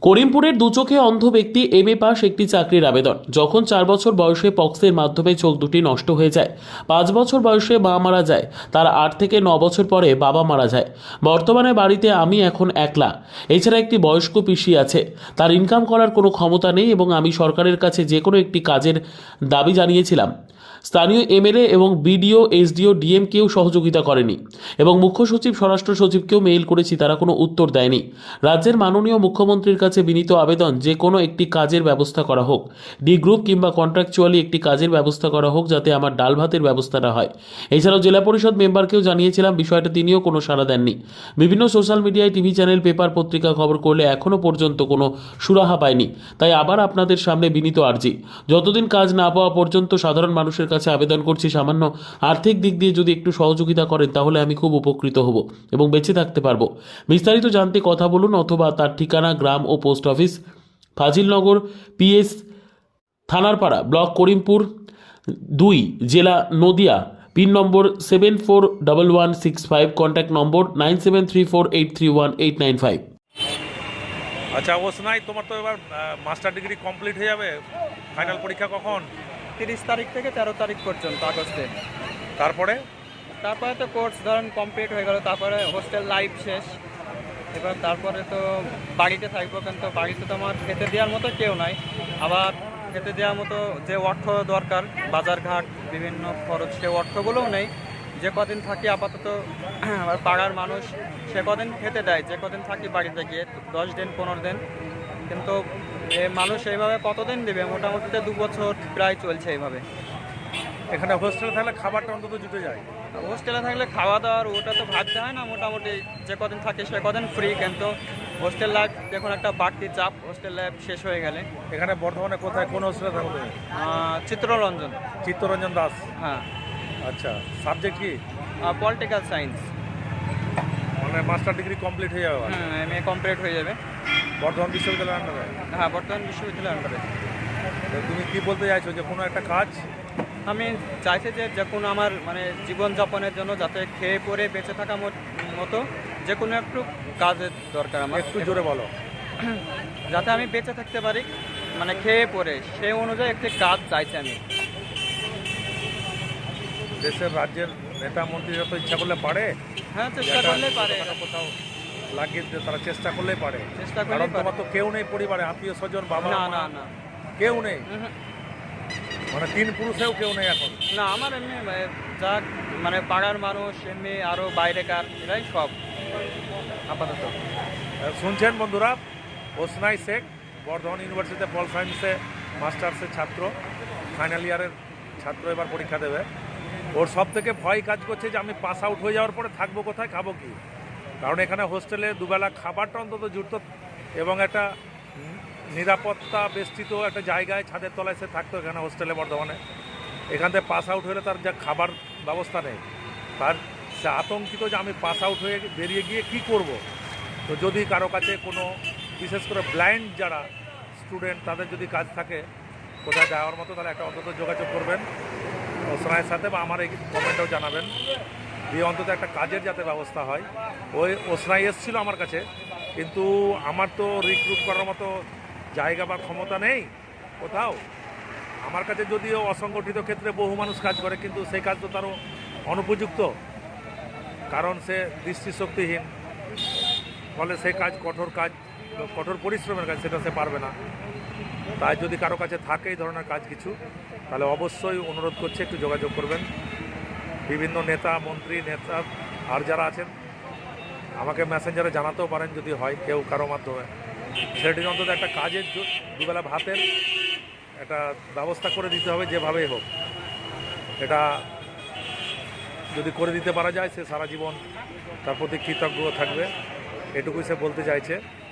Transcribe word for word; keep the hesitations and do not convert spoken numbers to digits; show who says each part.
Speaker 1: করিমপুরের দুচোখে অন্ধ ব্যক্তি M A pass একটি চাকরির আবেদন। যখন চার বছর বয়সে পক্সের মাধ্যমে চোখ দুটি নষ্ট হয়ে যায়, পাঁচ বছর বয়সে মা মারা যায়, তার আট থেকে ন বছর পরে বাবা মারা যায়। বর্তমানে বাড়িতে আমি এখন একলা। এছাড়া একটি বয়স্ক পিসি আছে। তার ইনকাম করার কোনো ক্ষমতা নেই এবং আমি সরকারের কাছে যে কোনো একটি কাজের দাবি জানিয়েছিলাম। স্থানীয় এমএলএ এবং বিডিও, এসডিও, ডিএম কেউ সহযোগিতা করেনি এবং মুখ্য সচিব, স্বরাষ্ট্র সচিবকেও মেইল করেছি, তারা কোনো উত্তর দেয়নি। রাজ্যের মাননীয় মুখ্যমন্ত্রীর কাছে বিনীত আবেদন, যে কোনো একটি কাজের ব্যবস্থা করা হোক, ডি গ্রুপ কিংবা কন্ট্রাকচুয়ালি একটি কাজের ব্যবস্থা করা হোক, যাতে আমার ডাল ভাতের ব্যবস্থাটা হয়। এছাড়াও জেলা পরিষদ মেম্বারকেও জানিয়েছিলাম বিষয়টা, তিনিও কোনো সাড়া দেননি। বিভিন্ন সোশ্যাল মিডিয়ায়, টিভি চ্যানেল, পেপার, পত্রিকা খবর করলে এখনও পর্যন্ত কোনো সুরাহা পায়নি। তাই আবার আপনাদের সামনে বিনীত আর্জি, যতদিন কাজ না পাওয়া পর্যন্ত সাধারণ মানুষের কাছে আবেদন করছি, সামান্য আর্থিক দিক দিয়ে যদি একটু সহযোগিতা করেন তাহলে আমি খুব উপকৃত হব এবং বেঁচে থাকতে পারবো। বিস্তারিত জানতে কথা বলুন, অথবা তার ঠিকানা গ্রাম ও post office Fazilnagar, PS Thanarpara, block Karimpur দুই, জেলা Nadia, pin number seven four double one six five, contact number nine seven three four eight three one eight nine five.
Speaker 2: আচ্ছা ওসনাই, তোমার তো এবার মাস্টার ডিগ্রি কমপ্লিট হয়ে যাবে, ফাইনাল পরীক্ষা কখন?
Speaker 3: তিরিশ তারিখ থেকে তেরো তারিখ পর্যন্ত আগস্টে।
Speaker 2: তারপরে
Speaker 3: তারপরে তো কোর্স ধরেন কমপ্লিট হয়ে গেল, তারপরে হোস্টেল লাইফ শেষ। এবার তারপরে তো বাড়িতে থাকবো, কিন্তু বাড়িতে তো আমার খেতে দেওয়ার মতো কেউ নাই। আবার খেতে দেওয়ার মতো যে অর্থ দরকার, বাজারঘাট বিভিন্ন খরচ, সে অর্থগুলোও নেই। যে কদিন থাকি আপাতত আবার পাড়ার মানুষ সে কদিন খেতে দেয়, যে কদিন থাকি বাড়িতে গিয়ে দশ দিন পনেরো দিন, কিন্তু এ মানুষ এইভাবে কতদিন দেবে? মোটামুটি দু বছর প্রায় চলছে এইভাবে।
Speaker 2: এখানে হোস্টেলে থাকলে খাবারটা অন্তত জুটে যায়।
Speaker 3: হোস্টেলে থাকলে খাওয়া দাওয়ার ওটা তো ভাবতে হয় না, মোটামুটি যে কদিন থাকে সে কদিন ফ্রি। কিন্তু হোস্টেল লাইফ দেখুন একটা বাড়তি চাপ, হোস্টেল লাইফ শেষ হয়ে গেলে।
Speaker 2: এখানে বর্ধমানে কোথায়, কোন হোস্টেলে থাকো তুমি?
Speaker 3: আহ, চিত্ররঞ্জন।
Speaker 2: চিত্তরঞ্জন দাস।
Speaker 3: হ্যাঁ।
Speaker 2: আচ্ছা, সাবজেক্ট কি?
Speaker 3: Political science.
Speaker 2: মানে মাস্টার ডিগ্রি কমপ্লিট হয়ে যাবে?
Speaker 3: হুম, এম এ কমপ্লিট হয়ে যাবে।
Speaker 2: বর্ধমান বিশ্ববিদ্যালয়ের আন্ডারে?
Speaker 3: হ্যাঁ, বর্তমান বিশ্ববিদ্যালয়ের আন্ডারে।
Speaker 2: তো তুমি কি বলতে চাইছো, যে কোনো একটা কাজ?
Speaker 3: আমি চাইছি যে যে কোনো আমার মানে জীবনযাপনের জন্য যাতে খেয়ে পরে বেঁচে থাকা মত- মতো যে কোনো একটু কাজের দরকার আমার।
Speaker 2: একটু জোরে বলো।
Speaker 3: যাতে আমি বেঁচে থাকতে পারি, মানে খেয়ে পরে, সেই অনুযায়ী একটি কাজ চাইছি আমি।
Speaker 2: দেশের রাজ্যের নেতা মন্ত্রীরা তো ইচ্ছা করলে পারে,
Speaker 3: হ্যাঁ, চেষ্টা করলেই পারে।
Speaker 2: কোথাও কোথাও লাগিয়ে দিতে, তারা চেষ্টা করলেই পারে।
Speaker 3: চেষ্টা
Speaker 2: কারণ
Speaker 3: করলেই পারে।
Speaker 2: তোমার তো কেউ নেই পরিবারে, আত্মীয় স্বজন, বাবা
Speaker 3: না
Speaker 2: মা,
Speaker 3: না না
Speaker 2: কেউ নেই।
Speaker 3: উহুম।
Speaker 2: মানে তিন পুরুষেও কেউ নেই এখন?
Speaker 3: না, আমার এমনি আহ, যা মানে পাড়ার মানুষ, এমনি আরও বাইরেকার, এরাই সব আপাতত।
Speaker 2: শুনছেন বন্ধুরা, ওসনাই শেখ বর্ধমান ইউনিভার্সিটিতে পল সায়েন্সে মাস্টার্সের ছাত্র, ফাইনাল ইয়ারের ছাত্র, এবার পরীক্ষা দেবে। ওর সব থেকে ভয় কাজ করছে যে আমি পাস আউট হয়ে যাওয়ার পরে থাকবো কোথায়, খাবো কি। কারণ এখানে হোস্টেলে দুবেলা খাবারটা অন্তত জুটত এবং একটা নিরাপত্তা বেষ্টিত একটা জায়গায় ছাদের তলায় সে থাকতো এখানে হোস্টেলে বর্ধমানে। এখান থেকে পাস আউট হলে তার যা খাবার ব্যবস্থা নেই, তার সে আতঙ্কিত যে আমি পাস আউট হয়ে বেরিয়ে গিয়ে কি করব। তো যদি কারো কাছে কোনো, বিশেষ করে ব্লাইন্ড যারা স্টুডেন্ট, তাদের যদি কাজ থাকে কোথায় যাওয়ার মতো, তাহলে একটা অন্তত যোগাযোগ করবেন ওসনাইয়ের সাথে, বা আমার এই কমেন্টেও জানাবেন, দিয়ে অন্তত একটা কাজের যাতে ব্যবস্থা হয়। ওই ওসনাই এসেছিলো আমার কাছে, কিন্তু আমার তো রিক্রুট করার মতো জায়গা বা ক্ষমতা নেই কোথাও। আমার কাছে যদিও অসংগঠিত ক্ষেত্রে বহু মানুষ কাজ করে, কিন্তু সেই কাজ তো তারও অনুপযুক্ত, কারণ সে দৃষ্টিশক্তিহীন, ফলে সেই কাজ কঠোর কাজ, কঠোর পরিশ্রমের কাজ, সেটা সে পারবে না। তাই যদি কারো কাছে থাকে এই ধরনের কাজ কিছু, তাহলে অবশ্যই অনুরোধ করছে একটু যোগাযোগ করবেন। বিভিন্ন নেতা মন্ত্রী, নেতা আর যারা আছেন আমাকে মেসেঞ্জারে জানাতেও পারেন যদি হয় কেউ কারো মাধ্যমে। সেটির অন্তত একটা কাজের, দুবেলা ভাতের একটা ব্যবস্থা করে দিতে হবে যেভাবেই হোক। এটা যদি করে দিতে পারা যায়, সে সারা জীবন তার প্রতি কৃতজ্ঞ থাকবে, এটুকুই সে বলতে চাইছে।